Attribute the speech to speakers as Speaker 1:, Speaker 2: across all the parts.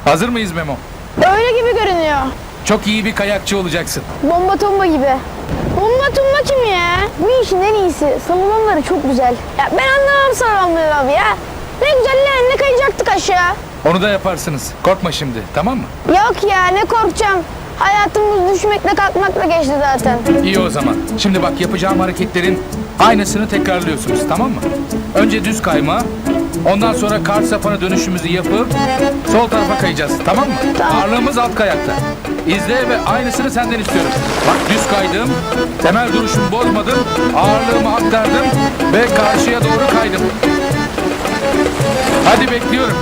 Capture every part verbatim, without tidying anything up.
Speaker 1: Hazır mıyız Memo?
Speaker 2: Öyle gibi görünüyor.
Speaker 1: Çok iyi bir kayakçı olacaksın.
Speaker 2: Bomba tomba gibi. Bomba tomba kim ya? Bu işin en iyisi. Samulanları çok güzel. Ya ben anlamam samulanları abi ya. Ne güzel ne kayacaktık aşağı.
Speaker 1: Onu da yaparsınız. Korkma şimdi, tamam mı?
Speaker 2: Yok ya ne korkacağım. Hayatımız düşmekle kalkmakla geçti zaten.
Speaker 1: İyi o zaman. Şimdi bak, yapacağım hareketlerin aynısını tekrarlıyorsunuz, tamam mı? Önce düz kayma, ondan sonra kar sapana dönüşümüzü yapıp sol tarafa kayacağız, tamam mı?
Speaker 2: Tamam.
Speaker 1: Ağırlığımız alt kayakta. İzle ve aynısını senden istiyorum. Bak, düz kaydım, temel duruşumu bozmadım, ağırlığımı aktardım ve karşıya doğru kaydım. Hadi bekliyorum.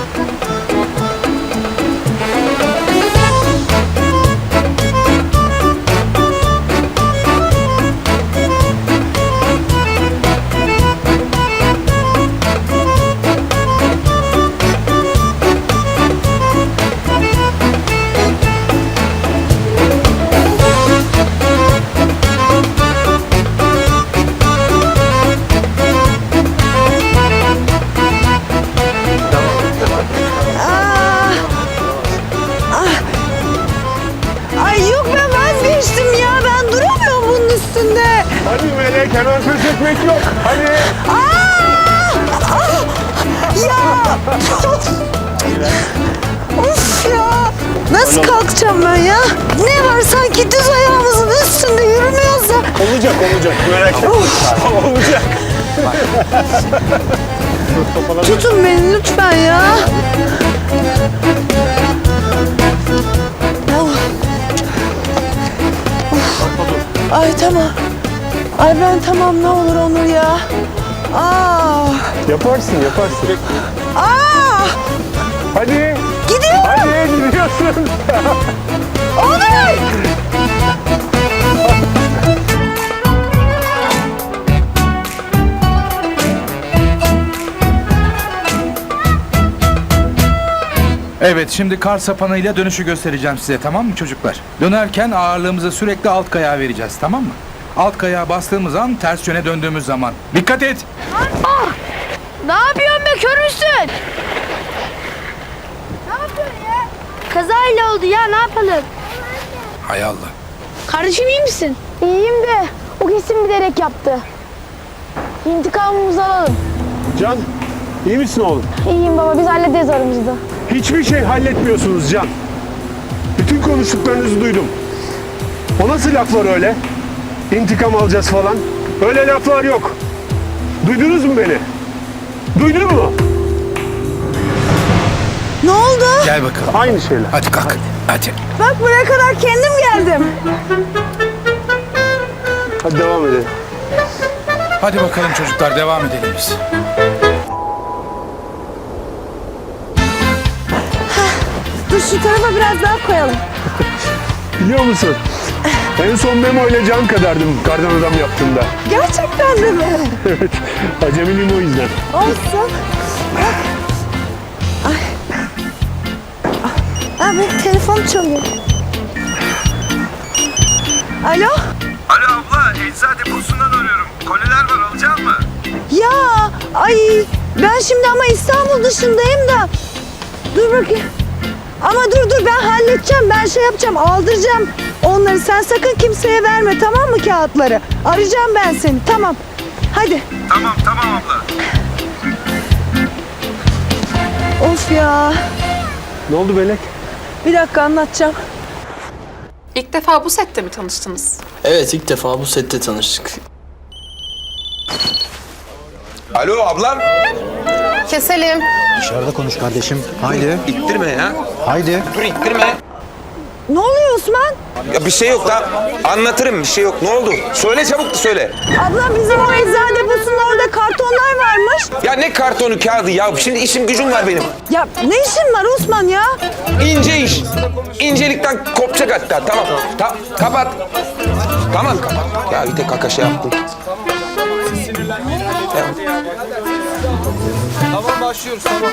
Speaker 3: Ay yok ben vazgeçtim ya. Ben duramıyorum bunun üstünde.
Speaker 4: Hadi Melek, hemen pes etmek yok. Hadi.
Speaker 3: Aa! Ah! Ya! Of ya! Nasıl kalkacağım ben ya? Ne var sanki düz ayağımızın üstünde yürümüyoruz da.
Speaker 4: Olacak, olacak. Merak etme. Olacak.
Speaker 3: Tutun beni lütfen ya. Oh. Of. Ay tamam. Ay ben tamam ne olur Onur ya. Aa.
Speaker 4: Yaparsın, yaparsın.
Speaker 3: Aa.
Speaker 4: Hadi.
Speaker 3: Gidiyorum.
Speaker 4: Hadi, gidiyorsun.
Speaker 3: Onur.
Speaker 1: Evet, şimdi kar sapanıyla dönüşü göstereceğim size, tamam mı çocuklar? Dönerken ağırlığımızı sürekli alt kayağa vereceğiz, tamam mı? Alt kayağa bastığımız an, ters yöne döndüğümüz zaman. Dikkat et!
Speaker 2: Ah! Ne yapıyorsun be körüsün? Ne yapıyorsun ya? Kazayla oldu ya, ne yapalım?
Speaker 1: Hay Allah!
Speaker 2: Kardeşim iyi misin? İyiyim de o kesin bilerek yaptı. İntikamımızı alalım.
Speaker 4: Can, iyi misin oğlum?
Speaker 2: İyiyim baba, biz hallederiz aramızda.
Speaker 4: Hiçbir şey halletmiyorsunuz Can. Bütün konuştuklarınızı duydum. O nasıl laflar öyle? İntikam alacağız falan. Öyle laflar yok. Duydunuz mu beni? Duydun mu?
Speaker 3: Ne oldu?
Speaker 1: Gel bakalım.
Speaker 4: Aynı şeyler.
Speaker 1: Hadi kalk. Hadi.
Speaker 3: Bak buraya kadar kendim geldim.
Speaker 4: Hadi devam edelim.
Speaker 1: Hadi bakalım çocuklar, devam edelim biz.
Speaker 3: Dur şu tarafa biraz daha koyalım.
Speaker 4: Biliyor musun? En son Memo ile Can kadardım kardan adam yaptığımda.
Speaker 3: Gerçekten de mi?
Speaker 4: Evet. Acemiyim o yüzden.
Speaker 3: Olsun. Bak. Ay. Ah, benim telefon çalıyor. Alo?
Speaker 5: Alo abla, eczacı deposundan arıyorum. Koliler var, alacak mı?
Speaker 3: Ya ay ben şimdi ama İstanbul dışındayım da. Dur bakayım. Ama dur dur ben halledeceğim. Ben şey yapacağım, aldıracağım onları. Sen sakın kimseye verme, tamam mı, kağıtları? Arayacağım ben seni, tamam. Hadi.
Speaker 5: Tamam, tamam abla.
Speaker 3: Of ya.
Speaker 4: Ne oldu Melek?
Speaker 3: Bir dakika anlatacağım.
Speaker 6: İlk defa bu sette mi tanıştınız?
Speaker 7: Evet, ilk defa bu sette tanıştık.
Speaker 5: Alo ablam.
Speaker 6: Keselim.
Speaker 8: Dışarıda konuş kardeşim. Haydi.
Speaker 5: İttirme ya.
Speaker 8: Haydi.
Speaker 5: Dur ittirme.
Speaker 3: Ne oluyor Osman?
Speaker 5: Ya bir şey yok da anlatırım, bir şey yok. Ne oldu? Söyle çabuk söyle.
Speaker 3: Abla bizim o eczane deposunun orada kartonlar varmış.
Speaker 5: Ya ne kartonu kağıdı ya. Şimdi işim gücüm var benim.
Speaker 3: Ya ne işin var Osman ya?
Speaker 5: İnce iş. İncelikten kopacak hatta. Tamam. Ta kapat. Tamam kapat. Ya bir tek kaka şey yaptım.
Speaker 1: Tamam, başlıyoruz, tamam.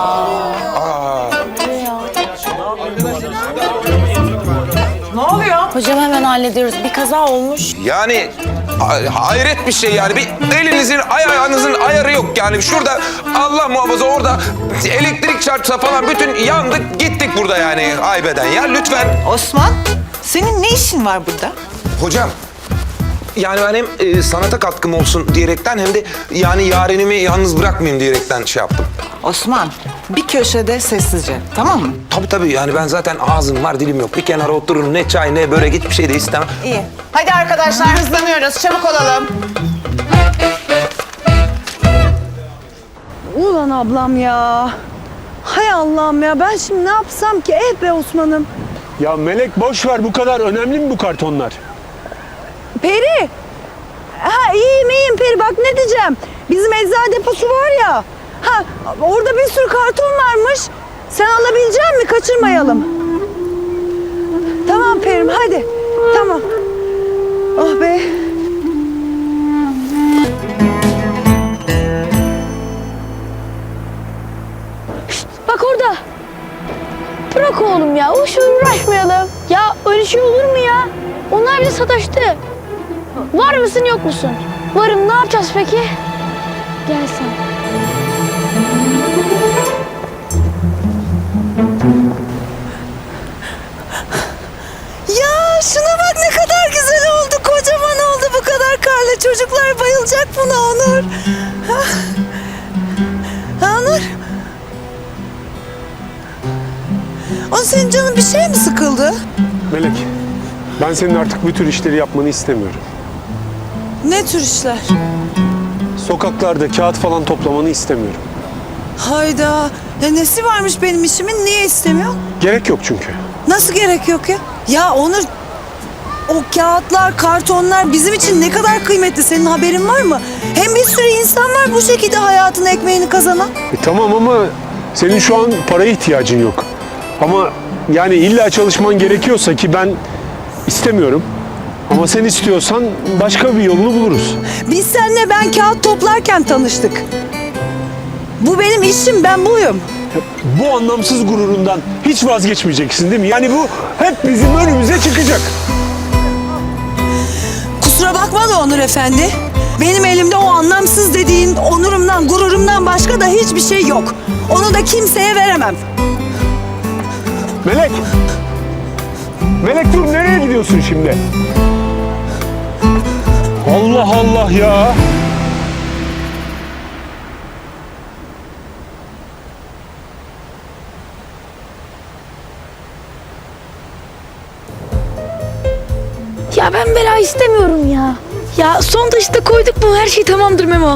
Speaker 5: Aa.
Speaker 6: Ne oluyor?
Speaker 9: Hocam hemen hallediyoruz. Bir kaza olmuş.
Speaker 5: Yani ha- hayret bir şey yani. Bir elinizin ayağınızın ayarı yok yani. Şurada Allah muhafaza orada elektrik çarpsa falan bütün yandık gittik burada yani haybeden ya lütfen.
Speaker 3: Osman, senin ne işin var burada?
Speaker 5: Hocam yani ben hem e, sanata katkım olsun diyerekten hem de yani yarenimi yalnız bırakmayayım diyerekten şey yaptım.
Speaker 3: Osman, bir köşede sessizce, tamam mı?
Speaker 5: Tabii tabii yani ben zaten ağzım var dilim yok. Bir kenara oturun ne çay ne börek hiçbir şey de istemem.
Speaker 3: İyi. Hadi arkadaşlar hızlanıyoruz, çabuk olalım. Ulan ablam ya. Hay Allah'ım ya, ben şimdi ne yapsam ki? Eh be Osman'ım.
Speaker 4: Ya Melek boş ver, bu kadar önemli mi bu kartonlar?
Speaker 3: Peri. Ha iyiyim iyiyim Peri, bak ne diyeceğim. Bizim eczacı deposu var ya. Ha orada bir sürü karton varmış. Sen alabilecek misin? Kaçırmayalım. Tamam Peri'm hadi. Tamam. Oh be.
Speaker 2: Bak orada. Bırak oğlum ya. Boş ver, uğraşmayalım. Ya öyle şey olur mu ya? Onlar bile sataştı. Var mısın yok musun? Varım, ne yapacağız peki? Gel sen.
Speaker 3: Ya şuna bak ne kadar güzel oldu. Kocaman oldu bu kadar karla. Çocuklar bayılacak buna Onur. Ha? Ha, Onur. O senin canın bir şey mi sıkıldı?
Speaker 4: Melek, ben senin artık bu tür işleri yapmanı istemiyorum.
Speaker 3: Ne tür işler?
Speaker 4: Sokaklarda kağıt falan toplamanı istemiyorum.
Speaker 3: Hayda. Ya nesi varmış benim işimin? Niye istemiyor?
Speaker 4: Gerek yok çünkü.
Speaker 3: Nasıl gerek yok ya? Ya Onur, o kağıtlar, kartonlar bizim için ne kadar kıymetli, senin haberin var mı? Hem bir sürü insan var bu şekilde hayatın ekmeğini kazanan.
Speaker 4: E, tamam ama senin şu an paraya ihtiyacın yok. Ama yani illa çalışman gerekiyorsa, ki ben istemiyorum. Ama sen istiyorsan başka bir yolunu buluruz.
Speaker 3: Biz seninle ben kağıt toplarken tanıştık. Bu benim işim, ben buyum.
Speaker 4: Bu anlamsız gururundan hiç vazgeçmeyeceksin değil mi? Yani bu hep bizim önümüze çıkacak.
Speaker 3: Kusura bakma da Onur Efendi. Benim elimde o anlamsız dediğin onurumdan, gururumdan başka da hiçbir şey yok. Onu da kimseye veremem.
Speaker 4: Melek! Melek dur, nereye gidiyorsun şimdi? Allah Allah ya!
Speaker 2: Ya ben bela istemiyorum ya. Ya son taşı da koyduk mu her şey tamamdır Memo.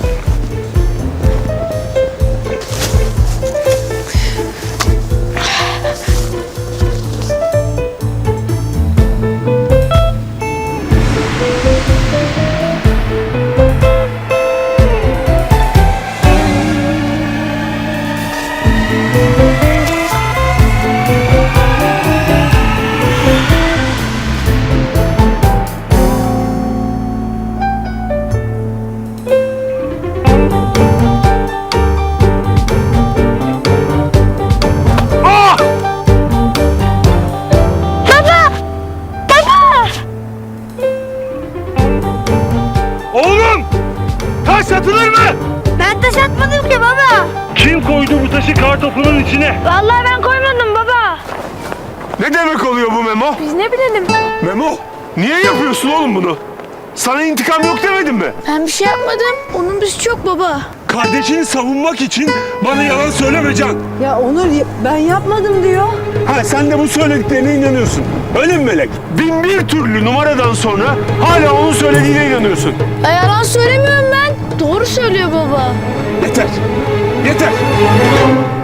Speaker 4: Oğlum! Taş satılır mı?
Speaker 2: Ben taş atmadım ki baba.
Speaker 4: Kim koydu bu taşı kartopunun içine?
Speaker 2: Vallahi ben koymadım baba.
Speaker 4: Ne demek oluyor bu Memo?
Speaker 2: Biz ne bilelim.
Speaker 4: Memo, niye yapıyorsun oğlum bunu? Sana intikam yok demedim mi?
Speaker 2: Ben bir şey yapmadım. Onun bir suçu yok baba.
Speaker 4: Kardeşini savunmak için bana yalan söyleme Can.
Speaker 3: Ya Onur, ben yapmadım diyor.
Speaker 4: Ha, sen de bu söylediklerine inanıyorsun. Öyle mi Melek? Bin bir türlü numaradan sonra hala onun söylediğine inanıyorsun.
Speaker 2: Ya yalan söylemiyorum ben. Doğru söylüyor baba.
Speaker 4: Yeter. Yeter.